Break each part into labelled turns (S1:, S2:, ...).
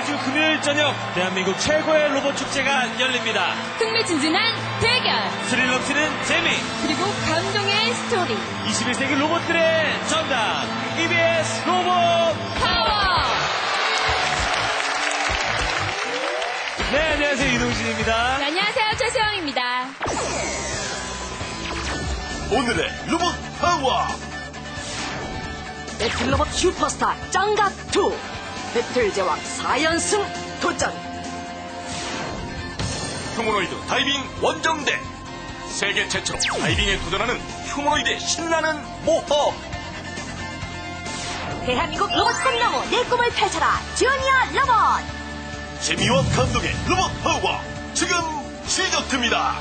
S1: 매주 금요일 저녁 대한민국 최고의 로봇 축제가 열립니다.
S2: 흥미진진한 대결,
S1: 스릴 넘치는 재미,
S2: 그리고 감동의 스토리.
S1: 21세기 로봇들의 전당 EBS 로봇
S2: 파워!
S1: 네, 안녕하세요. 이동진입니다.
S2: 네, 안녕하세요. 최수영입니다.
S3: 오늘의 로봇 파워!
S4: 배틀로봇 슈퍼스타 짱각2 배틀 제왕 4연승 도전.
S3: 휴머노이드 다이빙 원정대. 세계 최초로 다이빙에 도전하는 휴머노이드의 신나는 모험.
S4: 대한민국 로봇 꿈나무 내 꿈을 펼쳐라 주니어 로봇.
S3: 재미와 감동의 로봇 파워 지금 시작됩니다.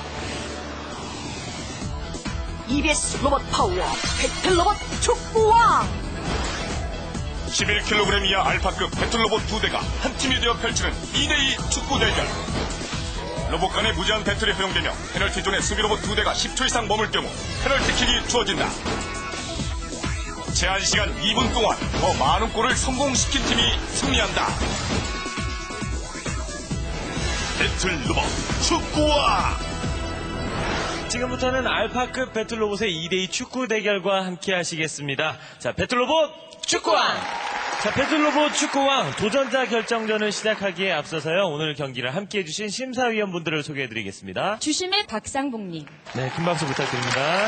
S4: EBS 로봇 파워 배틀로봇 축구왕.
S3: 11kg 이하 알파급 배틀로봇 2대가 한 팀이 되어 펼치는 2대2 축구 대결. 로봇 간의 무제한 배틀이 허용되며 페널티존에 수비로봇 2대가 10초 이상 머물 경우 페널티킥이 주어진다. 제한 시간 2분 동안 더 많은 골을 성공시킨 팀이 승리한다. 배틀로봇 축구왕.
S1: 지금부터는 알파급 배틀로봇의 2대2 축구 대결과 함께 하시겠습니다. 자, 배틀로봇 축구왕! 자, 배틀로봇 축구왕 도전자 결정전을 시작하기에 앞서서요, 오늘 경기를 함께 해주신 심사위원분들을 소개해드리겠습니다.
S2: 주심의 박상복님,
S1: 네, 큰 박수 부탁드립니다.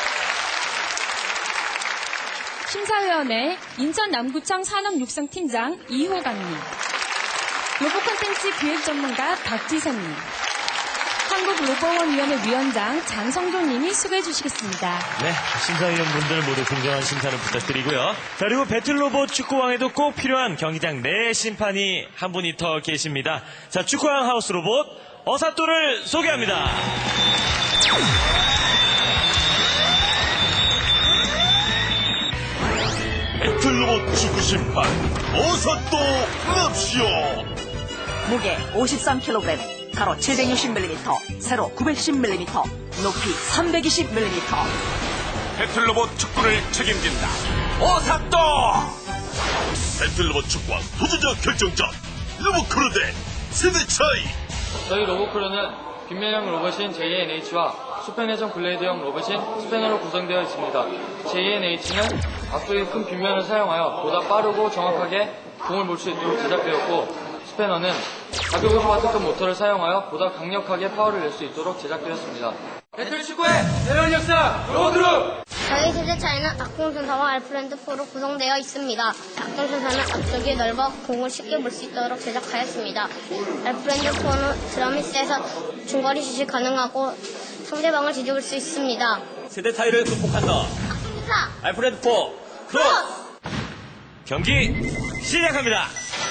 S2: 심사위원회 인천 남구청 산업육성팀장 이호강님, 로봇 콘텐츠 기획 전문가 박지선님, 한국로봇원위원회 위원장 장성조님이 수고해 주시겠습니다.
S1: 네, 심사위원분들 모두 공정한 심사를 부탁드리고요. 자, 그리고 배틀로봇 축구왕에도 꼭 필요한 경기장 내 심판이 한 분이 더 계십니다. 자, 축구왕 하우스 로봇 어사또를 소개합니다.
S3: 배틀로봇 축구 심판 어사또 납시오.
S4: 무게 53kg, 가로 760mm, 세로 910mm, 높이 320mm.
S3: 배틀로봇 축구를 책임진다. 어사또. 배틀로봇 축구왕 도전자 결정전 로봇크루 대 세대 차이.
S5: 저희 로봇크루는 빗면형 로봇인 JNH와 수페네전 블레이드형 로봇인 스패너로 구성되어 있습니다. JNH는 앞쪽에 큰 빗면을 사용하여 보다 빠르고 정확하게 공을 몰 수 있도록 제작되었고, 스패너는 가벼운 소와트급 모터를 사용하여 보다 강력하게 파워를 낼 수 있도록 제작되었습니다. 배틀 축구의 새로운 역사 로봇크루!
S6: 저희 세대 차이는 악동전사와 알프랜드4로 구성되어 있습니다. 악동전사는 앞쪽이 넓어 공을 쉽게 볼 수 있도록 제작하였습니다. 알프랜드4는 드럼이 세서 중거리 슛이 가능하고 상대방을 뒤집을 수 있습니다.
S1: 세대 차이를 극복한다.
S6: 악동전사
S1: 알프레드4 크로스! 경기 시작합니다.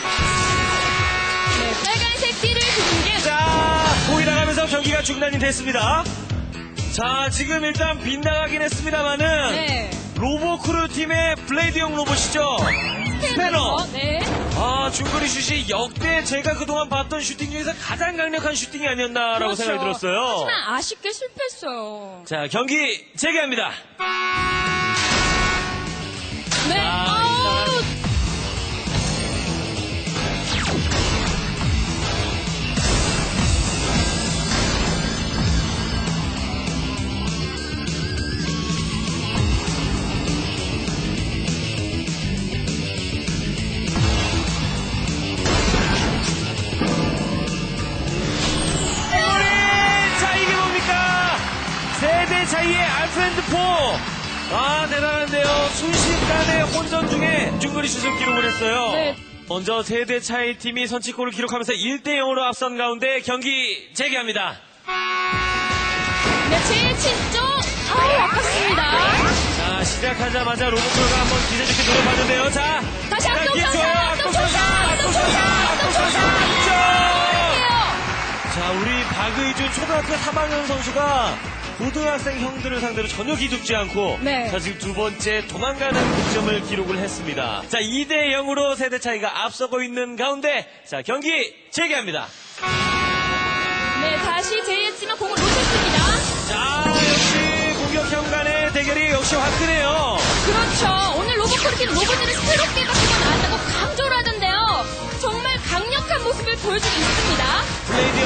S2: 네, 빨간색 띠를 두른 게
S1: 자, 보이 나가면서 경기가 중단이 됐습니다. 자, 지금 일단 빗나가긴 했습니다만은
S2: 네.
S1: 로봇크루 팀의 블레이드형 로봇이죠. 스패너.
S2: 네.
S1: 아, 중거리 슛이 역대 제가 그동안 봤던 슈팅 중에서 가장 강력한 슈팅이 아니었나라고
S2: 그렇죠.
S1: 생각이 들었어요.
S2: 하지만 아쉽게 실패했어요.
S1: 자, 경기 재개합니다.
S2: 네. 아우,
S1: 자, 이게 뭡니까? 세대 차이의 알프랜드4. 아, 대단한데요. 순식간에 혼전 중에 중거리 슛을 기록을 했어요.
S2: 네.
S1: 먼저 세대 차이 팀이 선취골을 기록하면서 1대0으로 앞선 가운데 경기 재개합니다.
S2: 네, 제일 친쪽. 아우, 아팠습니다.
S1: 자, 시작하자마자 로봇크루가 한번 기대 좋게 노려봤는데요. 자,
S2: 다시
S1: 기초요.
S2: 악동천사.
S1: 자, 우리 박의준 초등학교 3학년 선수가 고등학생 형들을 상대로 전혀 기죽지 않고
S2: 네.
S1: 자, 지금 두 번째 도망가는 득점을 기록을 했습니다. 자, 2대0으로 세대 차이가 앞서고 있는 가운데 자, 경기 재개합니다.
S2: 네, 다시 제이했지만 공을 놓쳤습니다.
S1: 자, 역시 공격형 간의 대결이 역시 화끈해요.
S2: 그렇죠. 오늘 로봇크루 팀 로봇들을 새롭게 바꾸고 나왔다고 강조를 하던데요. 정말 강력한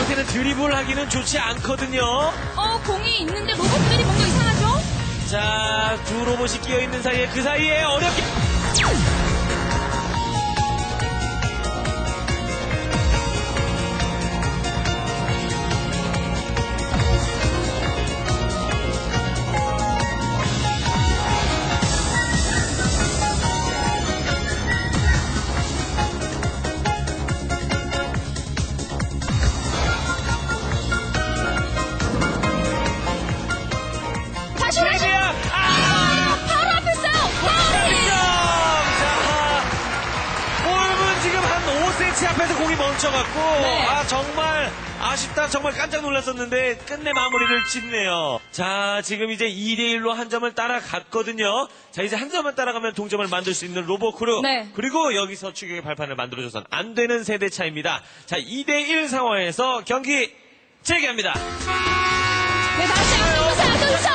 S1: 로봇한테는 드리블 하기는 좋지 않거든요.
S2: 공이 있는데 로봇들이 뭔가 이상하죠?
S1: 자, 두 로봇이 끼어있는 사이에 그 사이에 어렵게.
S2: 다시 다시.
S1: 최대야!
S2: 바로 앞에 있어요. 파울이.
S1: 자, 볼은 지금 한 5cm 앞에서 공이 멈춰갖고,
S2: 네.
S1: 정말 아쉽다. 정말 깜짝 놀랐었는데, 끝내 마무리를 짓네요. 자, 지금 이제 2대1로 한 점을 따라갔거든요. 자, 이제 한 점만 따라가면 동점을 만들 수 있는 로봇크루.
S2: 네.
S1: 그리고 여기서 추격의 발판을 만들어줘선 안 되는 세대 차입니다. 자, 2대1 상황에서 경기 재개합니다.
S2: 네, 다시 앞동사.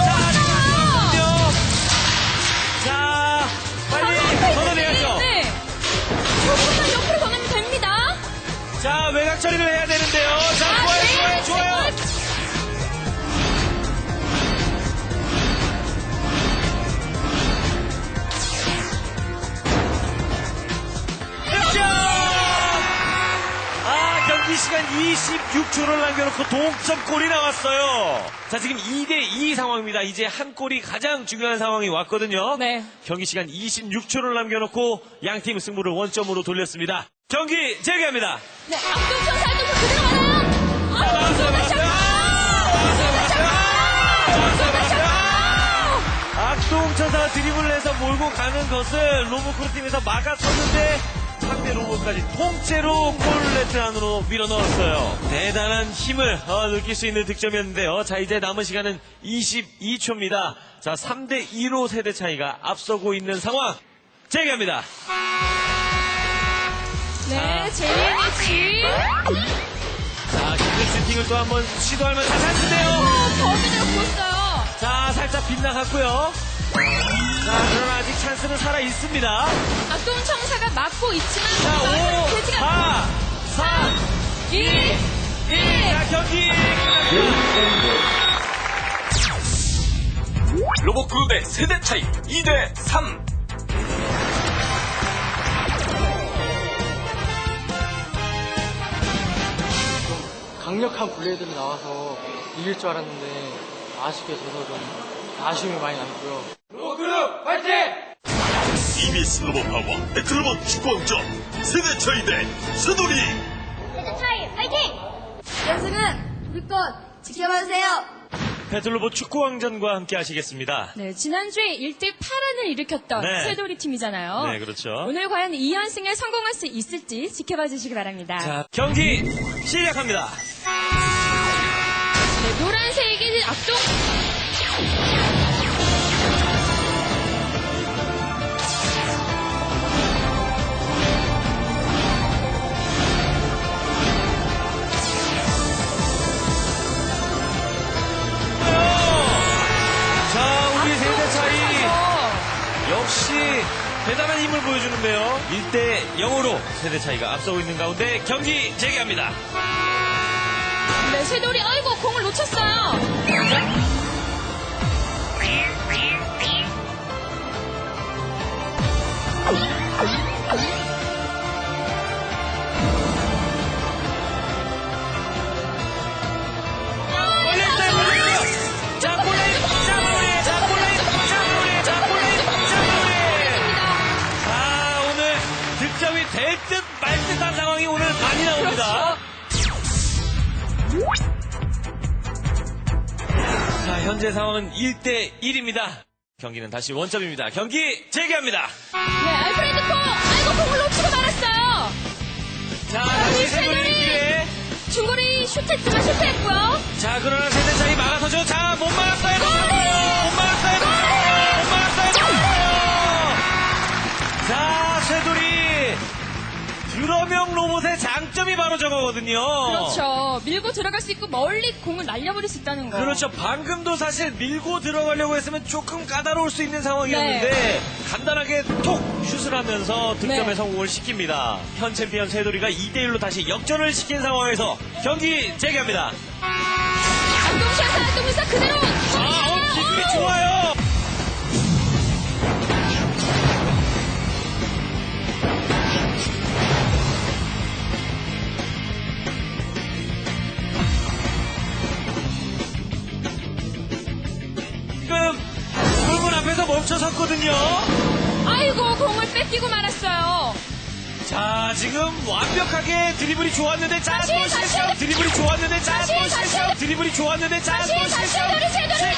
S1: 자, 빨리 걷어내야죠.
S2: 네. 조금만 옆으로 걷으면 됩니다.
S1: 자, 외곽 처리를 해야 되는데요. 자, 좋아요. 득점! 경기 시간 26초를 남겨놓고 동점골이 나왔어요. 자, 지금 2대2 상황입니다. 이제 한 골이 가장 중요한 상황이 왔거든요.
S2: 네.
S1: 경기 시간 26초를 남겨놓고 양팀 승부를 원점으로 돌렸습니다. 경기 재개합니다.
S2: 네, 앞동선 살동선 그대로 가나요?
S1: 악동천사 드리블을 해서 몰고 가는 것을 로봇크루 팀에서 막아섰는데 상대 로봇까지 통째로 골네트 안으로 밀어넣었어요. 대단한 힘을 느낄 수 있는 득점이었는데요. 자, 이제 남은 시간은 22초입니다. 자, 3대2로 세대 차이가 앞서고 있는 상황. 재개합니다.
S2: 네, JNH.
S1: 자, 기술 슈팅을 또 한번 시도할 만한 찬스인데요.
S2: 거기대로 보였어요.
S1: 자, 살짝 빗나갔고요. 자, 그러나 아직 찬스는 살아 있습니다.
S2: 악동청사가 막고 있지만
S1: 자, 5,
S2: 돼지가
S1: 4, 3,
S2: 2, 1.
S1: 자, 경기 끝납니다.
S3: 로봇크루 대 세대 차이 2대3.
S5: 강력한 블레이드로 나와서 이길 줄 알았는데 아쉽게 져서 좀 아쉬움이 많이 남고요. 로봇크루 파이팅!
S3: EBS 로봇 파워 배틀로봇 축구왕전 세대 차이 대 서돌이.
S6: 세대 차이 파이팅!
S4: 연승은 우리 것 지켜봐주세요.
S1: 배틀로봇 축구왕전과 함께 하시겠습니다.
S2: 네, 지난주에 1대 8안을 일으켰던
S1: 네.
S2: 쇠돌이 팀이잖아요.
S1: 네, 그렇죠.
S2: 오늘 과연 2연승에 성공할 수 있을지 지켜봐 주시기 바랍니다.
S1: 자, 경기 시작합니다.
S2: 네, 노란색이 악동.
S1: 자, 우리 세대 차이 역시 대단한 힘을 보여주는데요. 1대 0으로 세대 차이가 앞서고 있는 가운데 경기 재개합니다.
S2: 네, 쇠돌이 아이고 공을 놓쳤어요.
S1: 걸렸어요. 자, 골레이, 자, 마무리, 자, 골레이, 자, 마무리, 자, 골레이, 자, 마무리. 자, 오늘 득점이 될 듯 말 듯한 상황이 오늘 많이 나옵니다. 자, 현재 상황은 1대 1입니다. 경기는 다시 원점입니다. 경기 재개합니다.
S2: 네, 알프레드 포. 아이고 공을 놓치고 말았어요.
S1: 자, 다시 세돌이 기회.
S2: 중거리 슛했지만 실패했고요.
S1: 자, 그러나 세대 차이 막아서죠. 자, 못 막았어요. 못 막았어요. 못 막았어요. 자, 쇠돌이 드러명 로봇의 장점이 바로 저거거든요.
S2: 그렇죠. 밀고 들어갈 수 있고 멀리 공을 날려버릴 수 있다는 거.
S1: 그렇죠. 방금도 사실 밀고 들어가려고 했으면 조금 까다로울 수 있는 상황이었는데
S2: 네.
S1: 간단하게 톡 슛을 하면서 득점에
S2: 네.
S1: 성공을 시킵니다. 현 챔피언 세돌이가 2대1로 다시 역전을 시킨 상황에서 경기 재개합니다.
S2: 안동샷 그대로.
S1: 기술이 좋아요. 지금 골문 앞에서 멈춰섰거든요.
S2: 아이고 공을 뺏기고 말았어요.
S1: 자, 지금 완벽하게 드리블이 좋았는데 자,
S2: 다시,
S1: 또
S2: 다시.
S1: 실수. 드리블이 좋았는데 자,
S2: 다시,
S1: 또
S2: 다시.
S1: 실수. 드리블이 좋았는데 자, 또 실수.
S2: 세돌이.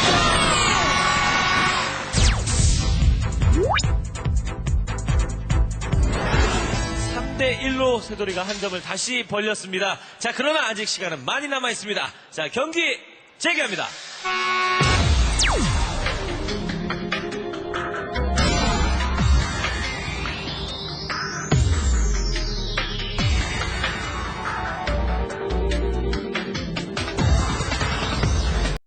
S1: 3대1로 세돌이가 한 점을 다시 벌렸습니다. 자, 그러나 아직 시간은 많이 남아 있습니다. 자, 경기 재개합니다.